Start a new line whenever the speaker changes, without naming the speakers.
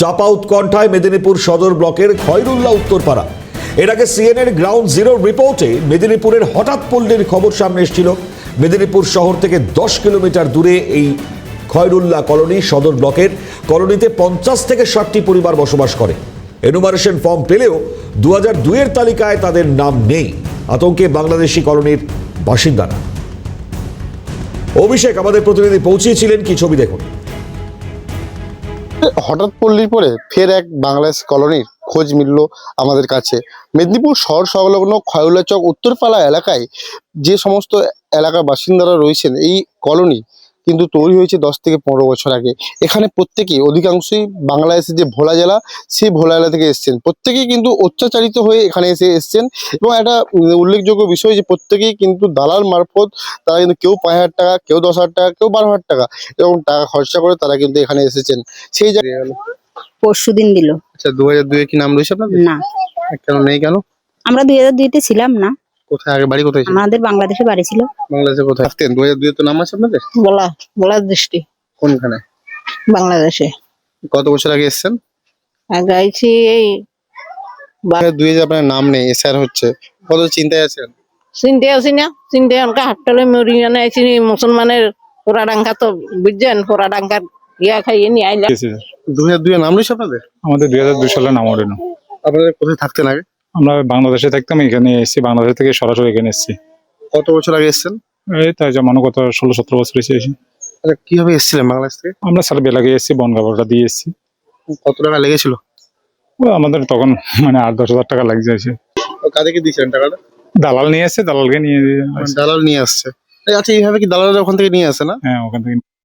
চাপা উৎকণ্ঠায় মেদিনীপুর সদর ব্লকের খয়রুল্লাহ উত্তরপাড়া। এর আগে সিএনএর গ্রাউন্ড জিরো রিপোর্টে মেদিনীপুরের হঠাৎ পল্লীর খবর সামনে এসেছিল। মেদিনীপুর শহর থেকে 10 কিলোমিটার দূরে এই খয়রুল্লাহ কলোনি সদর ব্লকের কলোনিতে 50 থেকে 60টি পরিবার বসবাস করে। এনুমারেশন ফর্ম পেলেও 2002 এর তালিকায় তাদের নাম নেই। আতঙ্কে বাংলাদেশি কলোনির বাসিন্দারা। অভিষেক আমাদের প্রতিনিধি পৌঁছিয়েছিলেন, কি ছবি দেখুন।
হঠাৎ পল্লীর পরে ফের এক বাংলাদেশ কলোনির খোঁজ মিলল আমাদের কাছে। মেদিনীপুর শহর সংলগ্ন খয়রুল্লাহ চক উত্তরপাড়া এলাকায় যে সমস্ত এলাকার বাসিন্দারা রয়েছেন, এই কলোনি কিন্তু তৈরি হয়েছে 10 থেকে 15 বছর আগে। এখানে প্রত্যেকেই অধিকাংশই বাংলাদেশের যে ভোলা জেলা, সেই ভোলা জেলা থেকে এসছেন। প্রত্যেকেই কিন্তু অত্যাচারিত হয়ে এখানে এসছেন এবং একটা উল্লেখযোগ্য বিষয় যে প্রত্যেকেই কিন্তু দালাল মারফত তারা কিন্তু কেউ 5,000 টাকা, কেউ 10,000 টাকা, কেউ 12,000 টাকা এরকম টাকা খরচা করে তারা কিন্তু এখানে এসেছেন। সেই জায়গায়
পরশুদিন দিল।
আচ্ছা, 2002 কি নাম রয়েছে আপনাদের?
না,
কেন নেই কেন?
আমরা 2002-তে ছিলাম না।
কোথায় আগে বাড়ি কোথায় ছিল?
আমাদের বাংলাদেশে বাড়ি ছিল।
বাংলাদেশে কোথায় থাকতেন? 2002 তো নাম আছে আপনাদের?
বলা দৃষ্টি
কোনখানে?
বাংলাদেশে
কত বছর আগে এসেছেন?
আগে আইছি এই
2002 যে আপনার নাম নেই, এসআর হচ্ছে, কত চিন্তায় আছেন?
চিনতে আছি না, চিনতে অনকা হাট্টালে মরি জানে আইছি মুসলমানের পোড়াডাঙ্গা তো বুঝছেন, পোড়াডাঙ্গার ইয়া খাইয়ে নিয়ে আইলা।
2002 নাম রয়েছে আপনাদের?
আমাদের 2002 সালে নাম ওঠেন।
আপনাদের কোথায় থাকতেন আগে?
আমরা বাংলাদেশে থাকতাম, এখানে এসেছি, বাংলাদেশ থেকে সরাসরি এখানে এসেছি।
কত বছর আগে এসেছেন?
এই তাই যেমন কত 16-17 বছর এসেছি।
আচ্ছা, কিভাবে এসেছিলেন বাংলাদেশ থেকে?
আমরা সারা বেলাগে এসেছি, বনগাঁবড়টা দিয়ে এসেছি।
কত টাকা লেগেছিল?
ও আমাদের তখন মানে 8-10 হাজার টাকা লাগছে এসে।
কাদেরকে দিয়েছিলেন টাকাটা?
দালাল নিয়ে এসছে, দালালকে নিয়ে
দালাল নিয়ে আসছে। আচ্ছা, এইভাবে কি দালালরা ওখান থেকে নিয়ে আসে না?
হ্যাঁ, ওখান থেকে